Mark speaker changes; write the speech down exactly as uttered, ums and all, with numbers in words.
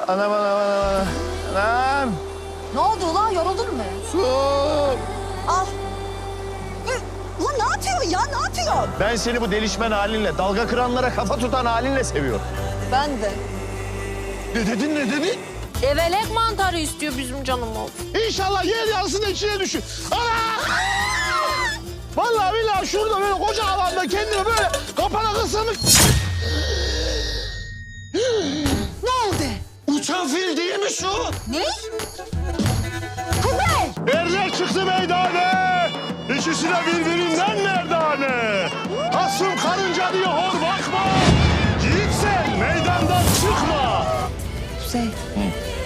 Speaker 1: Anam anam anam anam.
Speaker 2: Ne oldu ulan, yoruldun mu?
Speaker 1: Su.
Speaker 2: Al. Hı, ulan ne yapıyorsun ya, ne yapıyorsun?
Speaker 1: Ben seni bu delişmen halinle, dalga kıranlara kafa tutan halinle seviyorum.
Speaker 2: Ben de.
Speaker 1: Ne dedin ne dedin?
Speaker 3: Evelek mantarı istiyor bizim canımız.
Speaker 1: İnşallah yer yarısının içine düşür. Ana! Vallahi billahi şurada böyle koca alanda kendini böyle kapana kısılmış.
Speaker 2: Ne oldu?
Speaker 1: Uçan fil değil mi şu?
Speaker 2: Ne? Kuzey!
Speaker 1: Erler çıktı meydane. İkisi de birbirinden merdane. Asım karınca diye hor bakma. Yiğitsen meydandan çıkma.
Speaker 2: Kuzey,